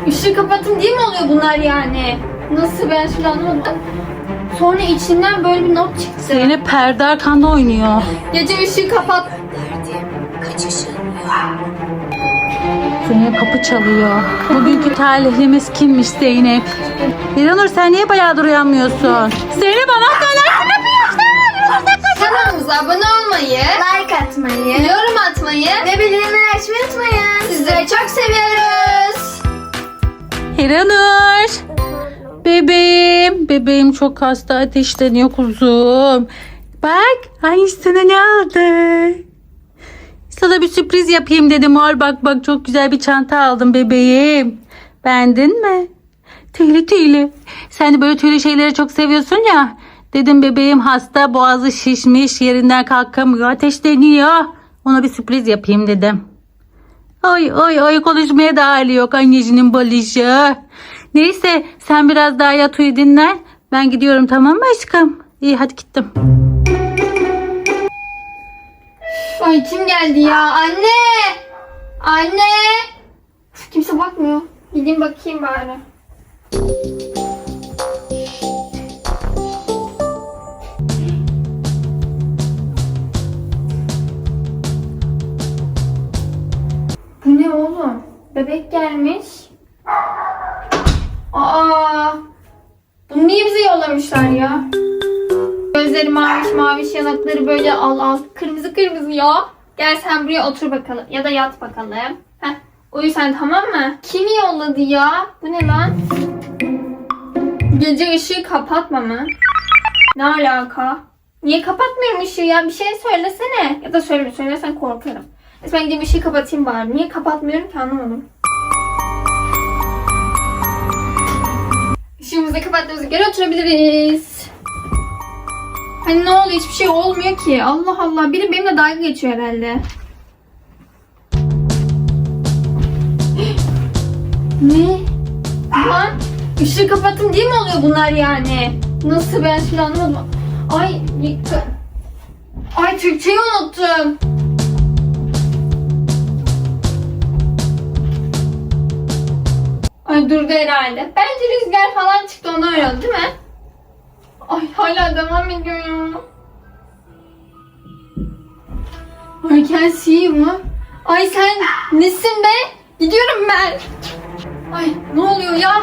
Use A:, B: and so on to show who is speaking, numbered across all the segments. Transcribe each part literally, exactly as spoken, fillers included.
A: Işığı kapatın diye mi oluyor bunlar yani? Nasıl, ben şimdi anlamadım. Sonra içinden böyle bir not çıktı.
B: Zeynep perde arkanda oynuyor.
A: Gece ışığı kapat.
B: Zeynep kapı çalıyor. Bugünkü talihlimiz kimmiş Zeynep? İranur sen niye bayağıdır uyanmıyorsun? Zeynep anahtarlar kim yapıyor?
A: Kanalımıza abone olmayı,
C: Like atmayı
A: yorum atmayı
C: ve bildirimleri açmayı unutmayın.
A: sizleri çok seviyoruz.
B: İranur. Bebeğim. Bebeğim çok hasta, ateşleniyor kuzum. Bak. Ay sana ne aldı? Sana bir sürpriz yapayım dedim. Al bak bak, çok güzel bir çanta aldım bebeğim. Beğendin mi? Tüylü tüylü. Sen de böyle tüylü şeyleri çok seviyorsun ya. Dedim bebeğim hasta, boğazı şişmiş, yerinden kalkamıyor, ateşleniyor. Ona bir sürpriz yapayım dedim. Oy oy oy, konuşmaya da hali yok annecinin balışı. Neyse sen biraz daha yat, uyu, dinlen. Ben gidiyorum, tamam mı aşkım? İyi hadi gittim.
A: Ay kim geldi ya? Anne! Anne! Üf, kimse bakmıyor. Gideyim bakayım bari. Bu ne oğlum? Bebek gelmiş. Aa! Bunu niye bize yollamışlar ya? Gözleri maviş maviş, yanakları böyle al al. Kırmızı kırmızı ya. Gel sen buraya otur bakalım. Ya da yat bakalım. Heh. Uyu sen, tamam mı? Kimi yolladı ya? Bu ne lan? Gece ışığı kapatma mı? Ne alaka? Niye kapatmıyorum ışığı ya? Bir şey söylesene. Ya da söyleme. Söylersen korkarım. Neyse ben gideyim ışığı kapatayım bari. Niye kapatmıyorum ki, anlamadım. Işığımızı kapattığımıza göre oturabiliriz. Hani ne oluyor? Hiçbir şey olmuyor ki. Allah Allah. Biri benimle dalga geçiyor herhalde. Ne? Lan ışığı kapatın diye mi oluyor bunlar yani? Nasıl, ben şimdi anlamadım. Ay Ay Türkçeyi unuttum. Ay durdu herhalde. Bence rüzgar falan çıktı, ondan öyle oldu değil mi? Ay hala devam ediyor ya. I can see you mu? Ay sen nesin be? Gidiyorum ben. Ay ne oluyor ya?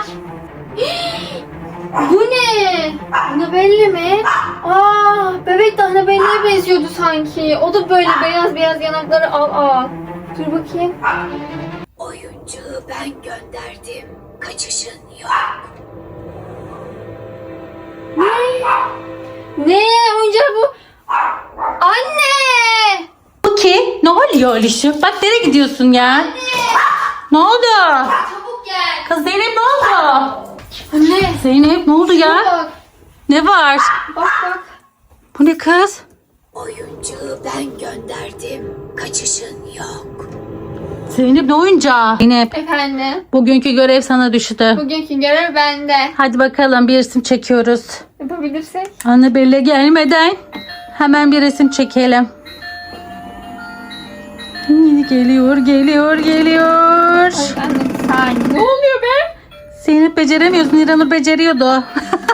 A: Bu ne? Annabelle mi? Aa, bebek de Annabelle'ye benziyordu sanki. O da böyle beyaz beyaz yanakları al al. Dur bakayım.
D: Oyuncuyu ben gönderdim. Kaçışın yok.
A: Ne? Oyuncağı bu. Anne!
B: Bu ki? Ne oluyor Alişi? Bak nereye gidiyorsun ya?
A: Anne!
B: Ne oldu?
A: Çabuk gel.
B: Kız Zeynep ne oldu?
A: Anne!
B: Zeynep ne oldu ya?
A: Bak
B: Ne var?
A: bak bak.
B: Bu ne kız?
D: Oyuncuyu ben gönderdim. Kaçışın yok.
B: Zeynep ne oyuncağı? Zeynep
A: Efendim?
B: bugünkü görev sana düştü.
A: Bugünkü görev bende.
B: Hadi bakalım bir resim çekiyoruz.
A: Yapabilirsek.
B: Annabelle gelmeden hemen bir resim çekelim. Geliyor, geliyor, geliyor.
A: Ay anne bir saniye. Ne oluyor be?
B: Zeynep beceremiyorsun. İranur beceriyordu.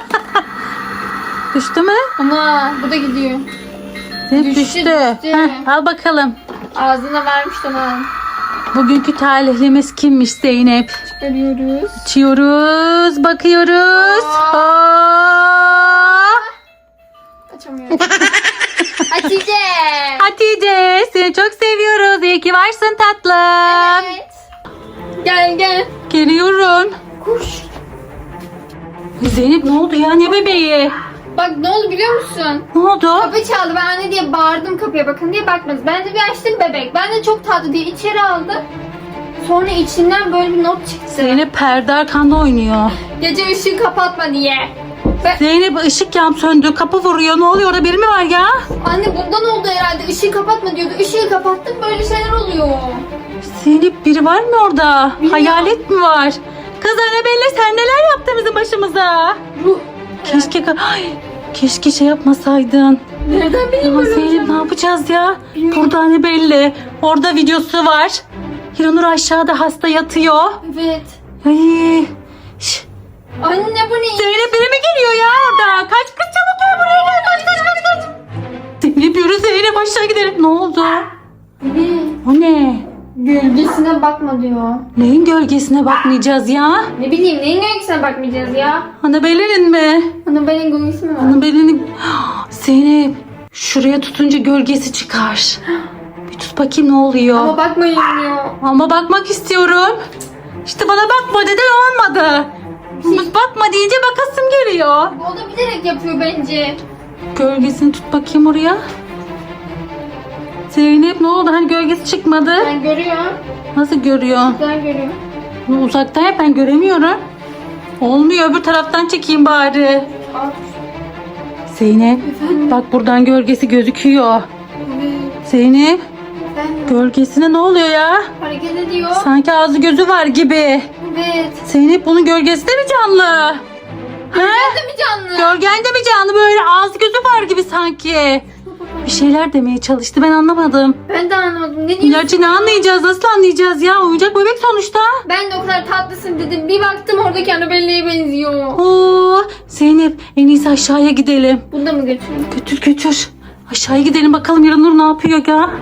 B: Düştü mü?
A: Ana bu da gidiyor.
B: Zeynep
A: Düştü,
B: düştü.
A: düştü.
B: Heh, al bakalım.
A: Ağzına vermiş tamam.
B: Bugünkü talihlimiz kimmiş Zeynep?
A: Çıkarıyoruz.
B: Açıyoruz, bakıyoruz.
A: Aa.
B: Aa.
A: Açamıyorum. Hatice.
B: Hatice seni çok seviyoruz. İyi ki varsın tatlım.
A: Evet. Gel gel.
B: Geliyorum.
A: Koş.
B: Zeynep ne oldu ya? Ne bebeği?
A: Bak ne oldu biliyor musun?
B: Ne oldu?
A: Kapı çaldı. Ben anne diye bağırdım kapıya, bakın diye bakmadı. Ben de bir açtım bebek. Ben de çok tatlı diye içeri aldı. Sonra içinden böyle bir not çıktı.
B: Zeynep perde arkanda oynuyor.
A: Gece ışığı kapatma diye. Ben...
B: Zeynep ışık yan söndü. Kapı vuruyor. Ne oluyor? Orada biri mi var ya?
A: Anne bundan oldu herhalde. Işığı kapatma diyordu. Işığı kapattım, böyle şeyler oluyor.
B: Zeynep biri var mı orada?
A: Bilmiyorum.
B: Hayalet mi var? Kız Annabelle sen neler yaptın bizim başımıza?
A: Ruh.
B: Keşke Ay, keşke şey yapmasaydın.
A: Nereden bileyim
B: Ya
A: böyle
B: Zeynep
A: olacağını?
B: ne yapacağız ya?
A: Bilmiyorum.
B: Burada Annabelle. Orada videosu var. Hiranur aşağıda hasta yatıyor.
A: Evet.
B: Ay. Şş,
A: Anne bu ne?
B: Zeynep biri mi geliyor ya orada? Kaç kız çabuk gel buraya gel. Kaç kaç kaç kaç. Zeynep yürü Zeynep aşağı gidelim. Ne oldu?
A: Ne?
B: O ne?
A: Gölgesine bakma diyor.
B: Neyin gölgesine bakmayacağız ya?
A: Ne bileyim neyin gölgesine bakmayacağız ya?
B: Annabelle'nin mi?
A: Annabelle'in gölgesi mi var?
B: Annabelle'nin... Zeynep şuraya tutunca gölgesi çıkar. Bir tut bakayım ne oluyor.
A: Ama bakmayın diyor.
B: Ama bakmak istiyorum. İşte bana bakma dedi olmadı. Bakma deyince bakasım geliyor.
A: O da bilerek yapıyor bence.
B: Gölgesini tut bakayım oraya. Zeynep ne oldu? Hani gölgesi çıkmadı.
A: Ben görüyorum.
B: Nasıl görüyor?
A: Ben görüyorum.
B: Bunu uzaktan yap ben göremiyorum. Olmuyor öbür taraftan çekeyim bari.
A: Al.
B: Zeynep
A: Efendim?
B: bak buradan gölgesi gözüküyor.
A: Evet.
B: Zeynep
A: Efendim?
B: gölgesine ne oluyor ya?
A: Hareket ediyor.
B: Sanki ağzı gözü var gibi.
A: Evet.
B: Zeynep bunun gölgesi de mi canlı?
A: Ben de mi canlı?
B: Gölgen de mi canlı böyle ağzı gözü var gibi sanki. Bir şeyler demeye çalıştı ben anlamadım.
A: Ben de anlamadım. Ne diyorsun?
B: İlacı ne anlayacağız nasıl anlayacağız ya oyuncak bebek sonuçta.
A: Ben de o kadar tatlısın dedim. Bir baktım oradaki Annabelle'ye benziyor.
B: Oo, Zeynep en iyisi aşağıya gidelim.
A: Bunu da mı götüreyim?
B: Götür götür. Aşağıya gidelim bakalım Yaranur ne yapıyor ya.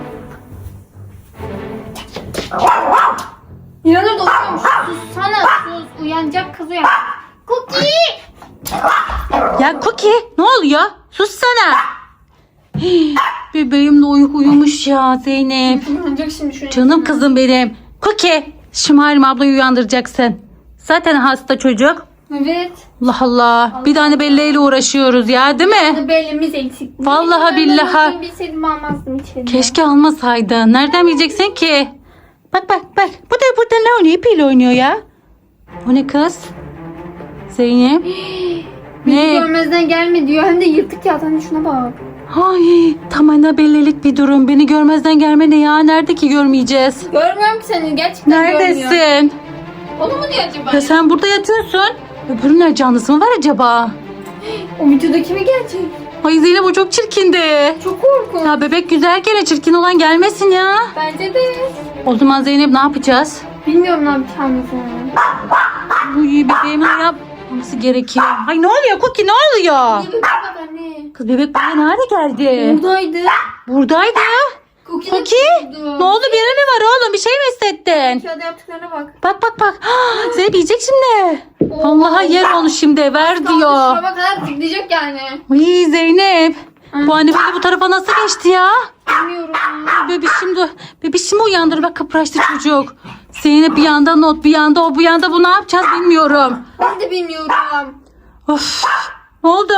A: İnanır da uyuyormuş. Sus sana sus. Uyanacak kız uyan. Cookie!
B: Ya Cookie ne oluyor? Sus sana. Hii, bebeğim de uyu uyumuş ya Zeynep.
A: Uyanacak şimdi şuraya.
B: Canım kızım benim. Cookie Şımarım ablayı uyandıracaksın. Zaten hasta çocuk.
A: Evet.
B: Allah Allah. Bir tane belleğiyle uğraşıyoruz ya değil mi?
A: Annabelle'miz eksik.
B: Vallahi billahi.
A: Ben bilseydim almazdım içeri.
B: Keşke almasaydın. Nereden bileceksin ki? Bak bak bak. Bu da burada ne oynuyor? İpiyle oynuyor ya. O ne kız? Zeynep.
A: Bizi
B: Ne?
A: görmezden gelme diyor. Hem de yırtık ya. Hani şuna bak.
B: Ay tam bellelik bir durum. Beni görmezden gelme ne ya? Nerede ki görmeyeceğiz?
A: Görmüyorum ki seni. Gerçekten görmüyor.
B: Neredesin?
A: Onu mu diyor acaba?
B: Ya sen burada yatıyorsun. Öbürünün canlısı mı var acaba?
A: O videodaki mi gelecek?
B: Ay Zeynep o çok çirkindi.
A: Çok korkunç.
B: Ya bebek güzel gene çirkin olan gelmesin ya.
A: Bence de.
B: O zaman Zeynep ne yapacağız?
A: Bilmiyorum ne yapacağımızı.
B: Bu iyi bebeğimin yapması gerekiyor. Ay ne oluyor Cookie ne oluyor?
A: Ne bebek bak anne.
B: Kız bebek buraya nerede geldi?
A: Buradaydı.
B: Buradaydı.
A: Cookie de
B: Cookie
A: durdu.
B: ne oldu bir mi var oğlum bir şey mi hissettin?
A: Kağıda yaptıklarına bak.
B: Bak bak bak. Ah, Zeynep yiyecek şimdi.
A: Oo.
B: Allah'a yer onu şimdi ver diyor.
A: Şuraya kadar tıklayacak yani.
B: Ay Zeynep. Bu anne böyle bu tarafa nasıl geçti ya?
A: Bilmiyorum.
B: Bebişim de bebişimi uyandır bak kıpraştı çocuk. Zeynep bir yanda not bir yanda o bu yanda bu ne yapacağız bilmiyorum.
A: Ben de bilmiyorum.
B: Of. Ne oldu?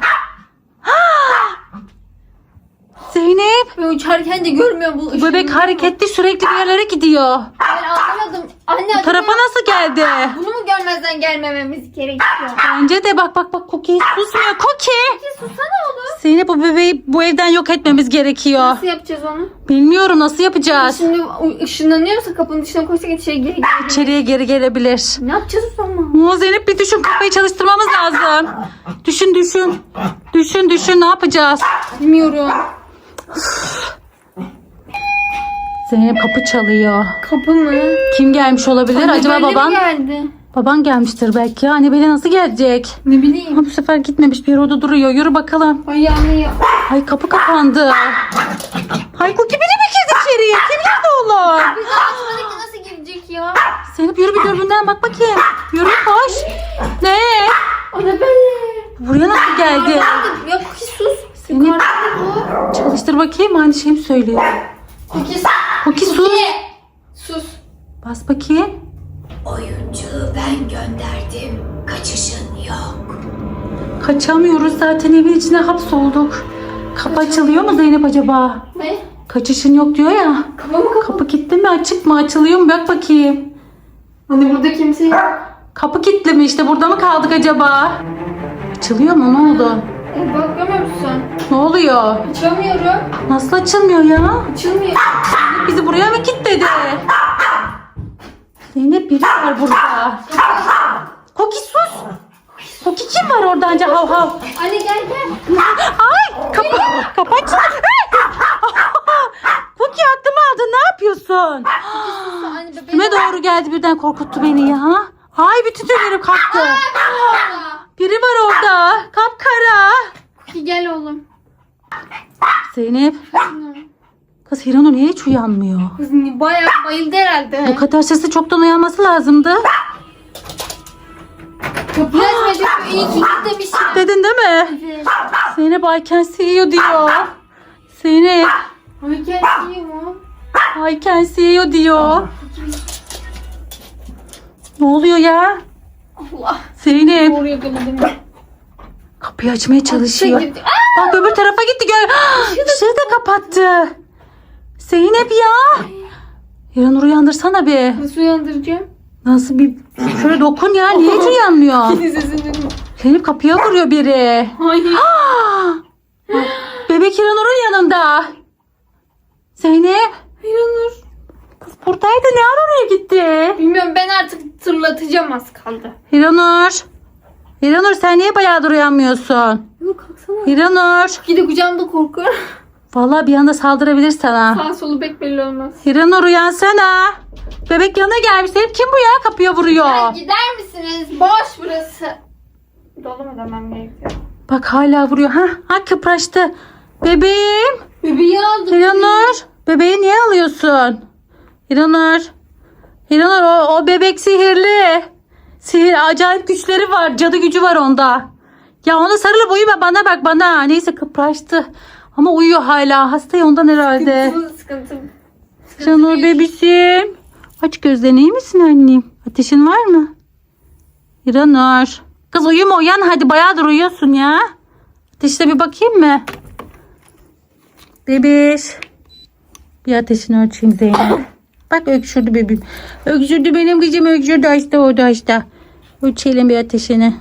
B: Ah! Zeynep.
A: Ben uçarken de görmüyorum bu
B: Bu bebek
A: ışığı.
B: hareketli sürekli bir yerlere gidiyor.
A: Ben anlamadım. Anne
B: Bu tarafa nasıl geldi?
A: bunu mu görmezden gelmememiz gerekiyor?
B: Bence de bak bak bak Cookie susmuyor Cookie.
A: Peki susana oğlum.
B: Zeynep bu bebeği bu evden yok etmemiz gerekiyor.
A: Nasıl yapacağız onu?
B: Bilmiyorum nasıl yapacağız.
A: Şimdi ışınlanıyorsa kapının dışına koysak içeri geri geri.
B: İçeriye geri gelebilir.
A: Ne yapacağız o zaman?
B: Oo, Zeynep bir düşün kafayı çalıştırmamız lazım. Düşün düşün. Düşün düşün ne yapacağız?
A: Bilmiyorum.
B: Zeynep kapı çalıyor.
A: Kapı mı?
B: Kim gelmiş olabilir? Acaba
A: Annabelle mi
B: baban?
A: geldi?
B: Baban gelmiştir belki. Annabelle nasıl gelecek?
A: Ne bileyim.
B: Ama bu sefer gitmemiş bir yere orada duruyor. Yürü bakalım.
A: Ay anne ya.
B: Ay kapı kapandı. Ay Cookie biri mi girdi içeriye? Kim girdi oğlum?
A: Biz açmadık da nasıl girecek ya?
B: Zeynep yürü bir dürbünden bak bakayım. Yürü koş. Ne?
A: Annabelle.
B: Buraya nasıl geldi?
A: Ya Cookie sus.
B: Seni-
A: Yukarıda bu.
B: Çalıştır bakayım aynı şeyi mi söylüyor?
A: Cookie sus.
B: Cookie sus.
A: Cookie. Sus.
B: Bas bakayım.
D: Oyuncuyu ben gönderdim. Kaçışın yok.
B: Kaçamıyoruz zaten evin içine hapsolduk. Kapı açılıyor mu Zeynep acaba?
A: Ne?
B: Kaçışın yok diyor ya.
A: Kapı mı kapı?
B: Kapı kilitli mi açık mı açılıyor mu bak bakayım.
A: Hani burada kimse yok.
B: Kapı kilitli mi işte burada mı kaldık acaba? Açılıyor mu ne oldu?
A: E, bakamıyor musun?
B: Ne oluyor?
A: Açamıyorum.
B: Nasıl açılmıyor ya?
A: Açılmıyor.
B: Zeynep bizi buraya mı kilitledi? Zeynep biri var burada. Cookie sus. Cookie kim var orada anca hav hav?
A: Anne gel gel.
B: Ay kapı kapı açıldı. Cookie aklımı aldın ne yapıyorsun?
A: Anne bebeğim.
B: Kime doğru geldi birden korkuttu beni ya. Ay bütün tüylerim kalktı. Biri var orada. Kapkara.
A: Cookie gel oğlum.
B: Zeynep. Kız Hiranur niye hiç uyanmıyor?
A: Kız bayağı bayıldı herhalde.
B: Bu kadar sesi çoktan uyanması lazımdı.
A: Kapıyı açmayacak. İyi ki git demişim.
B: Dedin değil mi?
A: Evet.
B: Zeynep I can see you diyor. Zeynep
A: Ay gel iyi mi?
B: I can see you diyor. Ne oluyor ya?
A: Allah.
B: Zeynep
A: Doğru yakaladım.
B: kapıyı açmaya çalışıyor.
A: Gitti. Aa!
B: Bak öbür tarafa gitti. Gör. Işığı da kapattı. Zeynep ya. Hiranur uyandırsana bir.
A: Nasıl uyandıracağım?
B: Nasıl bir şöyle dokun ya. Niye hiç uyanmıyor?
A: Sesini duydum.
B: Zeynep kapıya vuruyor biri.
A: Hayır.
B: Bebek Hiranur'un yanında. Zeynep.
A: Hiranur.
B: Kız buradaydı. Ne ara oraya gitti?
A: Bilmiyorum ben artık tırlatacağım az kaldı.
B: Hiranur. Hiranur sen niye bayağıdır uyanmıyorsun?
A: Yok kalksana.
B: Hiranur.
A: Gide kucağımda korkuyorum.
B: Vallahi bir anda saldırabilir sana.
A: Sağ solu pek belli olmaz.
B: Hiranur uyansana. Bebek yanına gelmiş. Hep kim bu ya? Kapıya vuruyor.
A: Ya gider misiniz? Boş burası. Dolu mu demem gerekiyor?
B: Bak hala vuruyor. Ha, ha kıpraştı. Bebeğim.
A: Bebeği aldım.
B: Hiranur. Bebeği niye alıyorsun? Hiranur. Hiranur o, o bebek sihirli. Sihir acayip güçleri var. Cadı gücü var onda. Ya ona sarılıp uyuma bana bak bana. Neyse kıpraştı. Ama uyuyor hala. Hasta ya ondan herhalde.
A: Sıkıntı, sıkıntı.
B: Hiranur bebişim. Aç gözlerini iyi misin annem? Ateşin var mı? Hiranur. Kız uyuma uyan hadi bayağıdır uyuyorsun ya. Ateşine bir bakayım mı? Bebiş. Bir ateşini ölçeyim Zeynep. Bak öksürdü bebeğim. Öksürdü benim kızım öksürdü hasta oldu hasta. Ölçelim bir ateşini.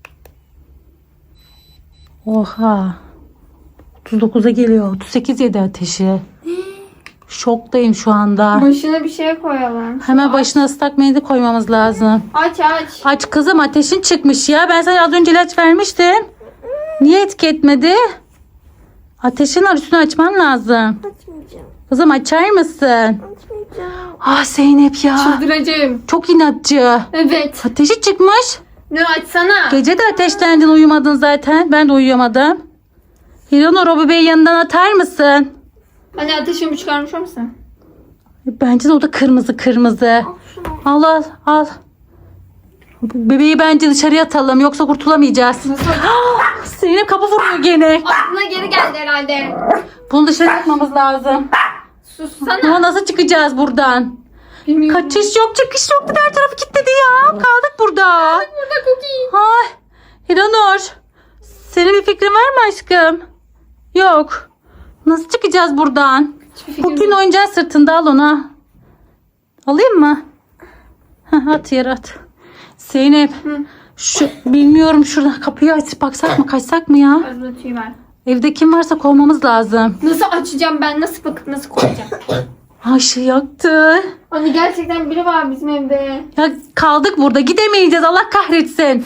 B: Oha. otuz dokuza geliyor. otuz sekiz yedi ateşi. Şoktayım şu anda.
A: Başına bir şey koyalım.
B: Hemen başına ıslak mendil koymamız lazım.
A: Aç aç.
B: Aç kızım ateşin çıkmış ya. Ben sana az önce ilaç vermiştim. Niye etki etmedi? Ateşin var üstünü açman lazım.
C: Açmayacağım.
B: Kızım açar mısın?
C: Açmayacağım.
B: Ah Zeynep ya.
A: Çıldıracağım.
B: Çok inatçı.
A: Evet.
B: Ateşi çıkmış.
A: Ne açsana.
B: Gece de ateşlendin uyumadın zaten. Ben de uyuyamadım. Hiranur o bebeği yanından atar mısın?
A: Hani ateşimi çıkarmış mısın?
B: Bence de o da kırmızı kırmızı. Al al al. Bebeği bence dışarıya atalım yoksa kurtulamayacağız.
A: Nasıl?
B: Zeynep kapı vuruyor gene.
A: Aklına geri geldi herhalde.
B: Bunu dışarı atmamız lazım.
A: Sussana.
B: Ama nasıl çıkacağız buradan?
A: Bilmiyorum.
B: Kaçış yok çıkış yok. Her tarafı kilitledi ya. Kaldık burada.
A: Burada cookie.
B: Ay. Hiranur. Senin bir fikrin var mı aşkım? Yok. Nasıl çıkacağız buradan?
A: Hiçbir fikrim
B: Bugün
A: yok.
B: oyuncağı sırtında al ona. Alayım mı? Heh, at yere at. Zeynep.
A: Hı.
B: Şu bilmiyorum şuradan kapıyı açıp baksak mı kaçsak mı ya?
A: Arada tüy var.
B: Evde kim varsa kovmamız lazım.
A: Nasıl açacağım ben? Nasıl bakıp nasıl koyacağım?
B: Ay şey yaktı.
A: Anne gerçekten biri var bizim evde.
B: Ya kaldık burada gidemeyeceğiz Allah kahretsin.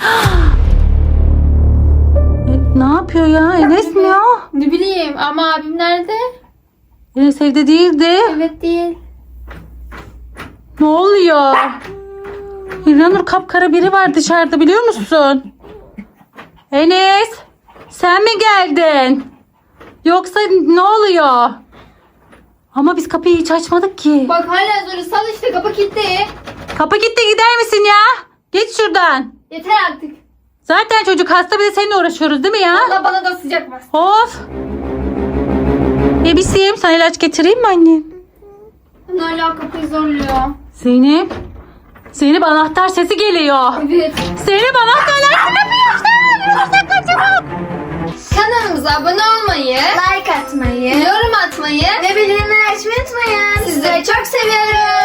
B: E, ne yapıyor ya Enes mi ya?
A: Ne bileyim ama abim nerede?
B: Enes evde değildi.
A: Evet değil.
B: Ne oluyor? İranur kapkara biri var dışarıda biliyor musun? Enes sen mi geldin? Yoksa ne oluyor? Ama biz kapıyı hiç açmadık ki.
A: Bak hala zor sal işte kapı kilitli.
B: Kapı gitti gider misin ya? Geç şuradan.
A: Yeter artık.
B: Zaten çocuk hasta bir de seninle uğraşıyoruz değil mi ya?
A: Allah bana da sıcak bas.
B: Of. Bebişim sana ilaç getireyim mi annem?
A: Hala kapıyı zorluyor.
B: Zeynep. Zeynep anahtar sesi geliyor.
A: Evet.
B: Zeynep anahtarlar kapıyı açtı. Kaçamam.
A: Kanalımıza abone olmayı,
C: Like atmayı
A: yorum atmayı
C: ve bildirimleri açmayı unutmayın.
A: sizleri çok seviyoruz.